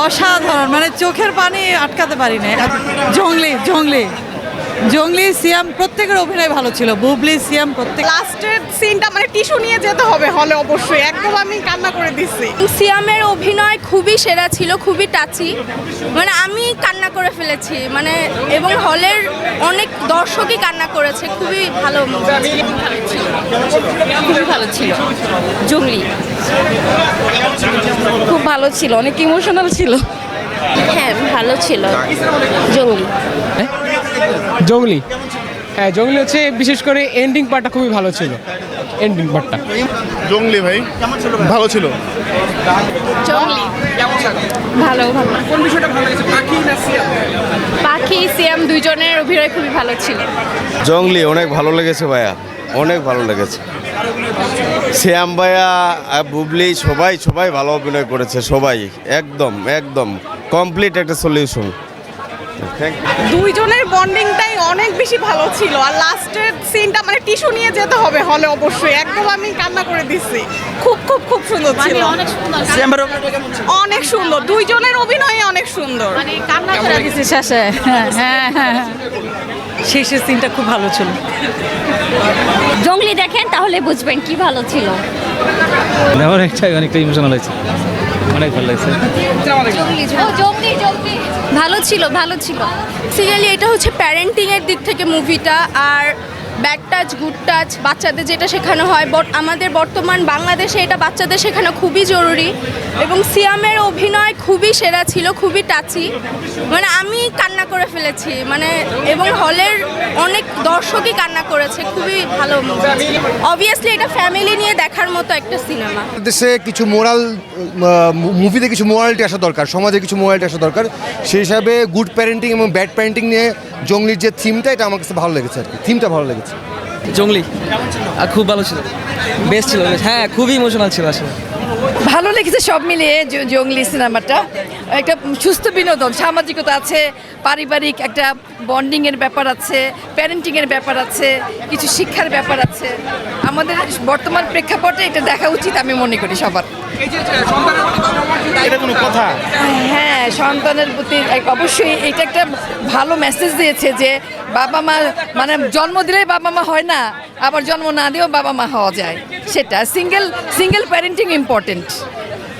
অসাধারণ, মানে চোখের পানি আটকাতে পারি না। জংলি জংলি জংলি সিয়াম প্রত্যেকের অভিনয় ভালো ছিল, বুবলি সিয়াম প্রত্যেক। লাস্টের সিনটা মানে টিস্যু নিয়ে যেতে হবে হলে, অবশ্যই একদম আমি কান্না করে দিচ্ছি। সিয়ামের অভিনয় খুবই সেরা ছিল, খুবই টাচি, মানে আমি কান্না করে ফেলেছি, মানে এবং হলের অনেক দর্শকই কান্না করেছে। খুবই ভালো, খুবই ভালো ছিল। জঙ্গলি খুব ভালো ছিল, অনেক ইমোশনাল ছিল। হ্যাঁ ভালো ছিল জঙ্গলি। জঙ্গলি, হ্যাঁ জঙ্গলি হচ্ছে বিশেষ করে এন্ডিং পার্টটা খুবই ভালো ছিল। এন্ডিং পার্টটা জঙ্গলি ভাই ভালো ছিল। জঙ্গলি ভালো ভালো। কোন বিষয়টা ভালো লেগেছে, পাখি না সিয়াম? পাখি সিয়াম দুইজনের অভিনয় খুবই ভালো ছিল। জঙ্গলি অনেক ভালো লেগেছে ভাইয়া, অনেক ভালো লেগেছে। শ্যাম ভাইয়া, বুবলি সবাই সবাই ভালো অভিনয় করেছে, সবাই একদম একদম কমপ্লিট একটা সলিউশন। দুইজনের বন্ডিংটাই অনেক বেশি ভালো ছিল, আর লাস্টের সিনটা মানে টিস্যু নিয়ে যেতে হবে হলে, অবশ্যই একদম আমি কান্না করে দিচ্ছি। খুব খুব খুব সুন্দর ছিল, অনেক সুন্দর, দুইজনের অভিনয় অনেক সুন্দর। কান্না করে দিছি শেষে। হ্যাঁ হ্যাঁ হ্যাঁ, শেষের সিনটা খুব ভালো ছিল। জঙ্গলি দেখেন তাহলে বুঝবেন কি ভালো ছিল। অনেকটা ইমোশনাল হয়েছে, অনেক ভালো লাগছে। ভালো ছিল, ভালো ছিল। সিরিয়ালি এটা হচ্ছে প্যারেন্টিংয়ের দিক থেকে মুভিটা, আর ব্যাড টাচ গুড টাচ বাচ্চাদের যেটা শেখানো হয়, আমাদের বর্তমান বাংলাদেশে এটা বাচ্চাদের শেখানো খুবই জরুরি। এবং সিয়ামের অভিনয় খুবই সেরা ছিল, খুবই টাচি, মানে আমি কান্না করে ফেলেছি, মানে এবং হলের অনেক দর্শকই কান্না করেছে। খুবই ভালো মুভি। অবভিয়াসলি এটা ফ্যামিলি নিয়ে দেখার মতো একটা সিনেমা। দেশে কিছু মোরাল, মুভিতে কিছু মোরালিটি আসা দরকার, সমাজে কিছু মোরালিটি আসা দরকার। সেই হিসাবে গুড প্যারেন্টিং এবং ব্যাড প্যারেন্টিং নিয়ে জঙ্গলির যে থিমটা, এটা আমার কাছে ভালো লেগেছে আর কি, থিমটা ভালো লেগেছে। জঙ্গলি খুব ভালো ছিল, বেস্ট ছিল। হ্যাঁ খুবই ইমোশনাল ছিল আসলে। ভালো লেগেছে সব মিলিয়ে জঙ্গলি সিনেমাটা। একটা সুস্থ বিনোদন, সামাজিকতা আছে, পারিবারিক একটা বন্ডিংয়ের ব্যাপার আছে, প্যারেন্টিংয়ের ব্যাপার আছে, কিছু শিক্ষার ব্যাপার আছে। আমাদের বর্তমান প্রেক্ষাপটে এটা দেখা উচিত আমি মনে করি সবার। এটা কোনো কথা? হ্যাঁ, সন্তানের প্রতি অবশ্যই এটা একটা ভালো মেসেজ দিয়েছে যে বাবা মা মানে জন্ম দিলেই বাবা মা হয় না, আবার জন্ম না দিয়েও বাবা মা হওয়া যায়। সেটা সিঙ্গেল প্যারেন্টিং ইম্পর্টেন্ট।